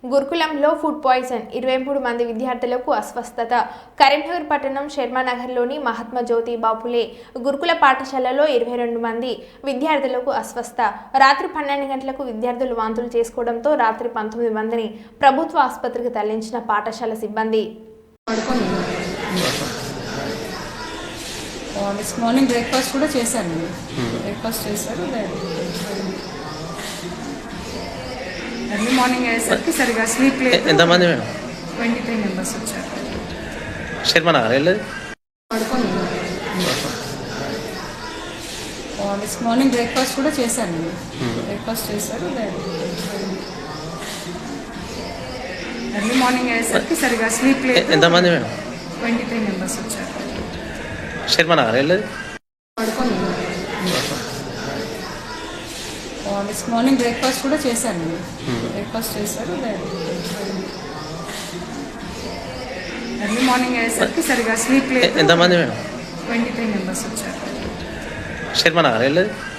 గురుకులంలో food poison 23 మంది విద్యార్థులకు అస్వస్థత. కరీంనగర్ పట్టణం శర్మానగర్లోని మహాత్మా జ్యోతి బాపులే గురుకుల పాఠశాలలో 22 మంది విద్యార్థులకు అస్వస్థ. రాత్రి 12 గంటలకు విద్యార్థులు వాంతులు చేసుకోవడంతో రాత్రి 19 మందిని ప్రభుత్వ ఆసుపత్రికి తరలించిన పాఠశాల సిబ్బంది. మార్నింగ్ బ్రేక్ఫాస్ట్ కూడా చేశాను. బ్రేక్ఫాస్ట్ చేశారు. ఎర్లీ మార్నింగ్ అయ్యేసరికి సరిగా స్లీప్ లేదు. ఎంతమంది మేడం? 23 మెంబర్స్ వచ్చారు. శర్మనగర్ వెళ్ళేది మార్నింగ్ బ్రేక్ఫాస్ట్ కూడా చేశాను. బ్రేక్ఫాస్ట్ చేశారు. ఎర్లీ మార్నింగ్ అయ్యేసరికి సరిగా స్లీప్ లేదు. ఎంతమంది మేడం? 23 మెంబర్స్ వచ్చారు. శర్మనగర్ వెళ్ళేది మార్నింగ్ బ్రేక్ఫాస్ట్ కూడా చేశాను. బ్రేక్ఫాస్ట్ చేశారు. ఎర్లీ మార్నింగ్ అయ్యేసరికి సరిగా స్లీప్ లేదు. ఎంతమంది మేడం? 23 మెంబర్స్ వచ్చారు. శర్మనగర్ వెళ్ళేది